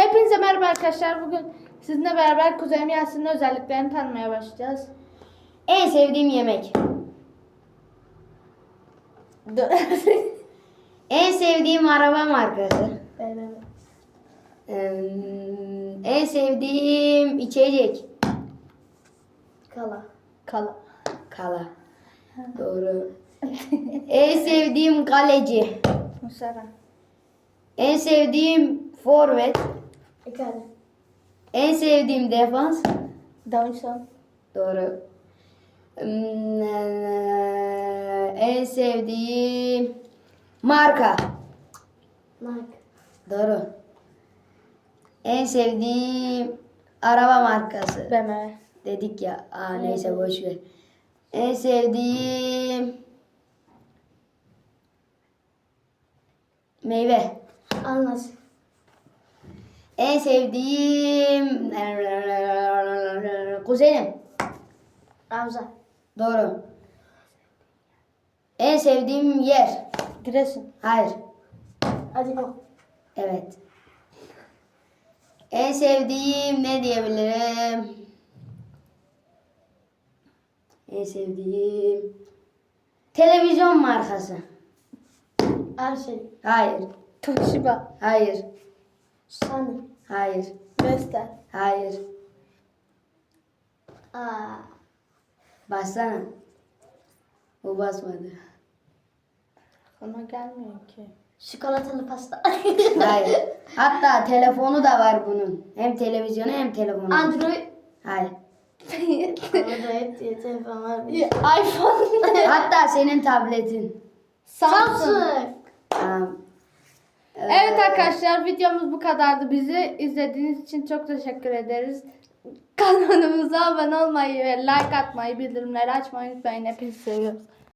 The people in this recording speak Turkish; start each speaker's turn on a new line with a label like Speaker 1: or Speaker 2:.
Speaker 1: Hepinize merhaba arkadaşlar. Bugün sizinle beraber kuzenim Yasin'in özelliklerini tanımaya başlayacağız.
Speaker 2: En sevdiğim yemek. En sevdiğim araba markası.
Speaker 1: Evet.
Speaker 2: En sevdiğim içecek.
Speaker 1: Kala.
Speaker 2: Kala. Doğru. En sevdiğim kaleci.
Speaker 1: Musara.
Speaker 2: En sevdiğim forvet.
Speaker 1: Ekale.
Speaker 2: En sevdiğim defans.
Speaker 1: Davinson.
Speaker 2: Doğru. En sevdiğim marka.
Speaker 1: Nike.
Speaker 2: Doğru. En sevdiğim araba markası.
Speaker 1: BMW.
Speaker 2: Dedik ya. Neyse boş ver. En sevdiğim meyve.
Speaker 1: Ananas.
Speaker 2: En sevdiğim kuzenim.
Speaker 1: Avza.
Speaker 2: Doğru. En sevdiğim yer.
Speaker 1: Giresun.
Speaker 2: Hayır.
Speaker 1: Adiko.
Speaker 2: Evet. En sevdiğim ne diyebilirim? En sevdiğim televizyon markası.
Speaker 1: Arşel.
Speaker 2: Hayır.
Speaker 1: Toshiba.
Speaker 2: Hayır.
Speaker 1: Sony.
Speaker 2: Hayır.
Speaker 1: Vestel.
Speaker 2: Hayır.
Speaker 1: Aa.
Speaker 2: Bassana. O basmadı.
Speaker 1: Ona gelmiyor ki. Çikolatalı pasta.
Speaker 2: Hayır. Hatta telefonu da var bunun. Hem televizyonu hem telefonu.
Speaker 1: Android.
Speaker 2: Hayır.
Speaker 1: Android diye telefon var mı? iPhone.
Speaker 2: Hatta senin tabletin.
Speaker 1: Samsung.
Speaker 2: Tamam.
Speaker 1: Evet arkadaşlar, videomuz bu kadardı. Bizi izlediğiniz için çok teşekkür ederiz. Kanalımıza abone olmayı ve like atmayı, bildirimleri açmayı unutmayın. Hepinizi seviyoruz.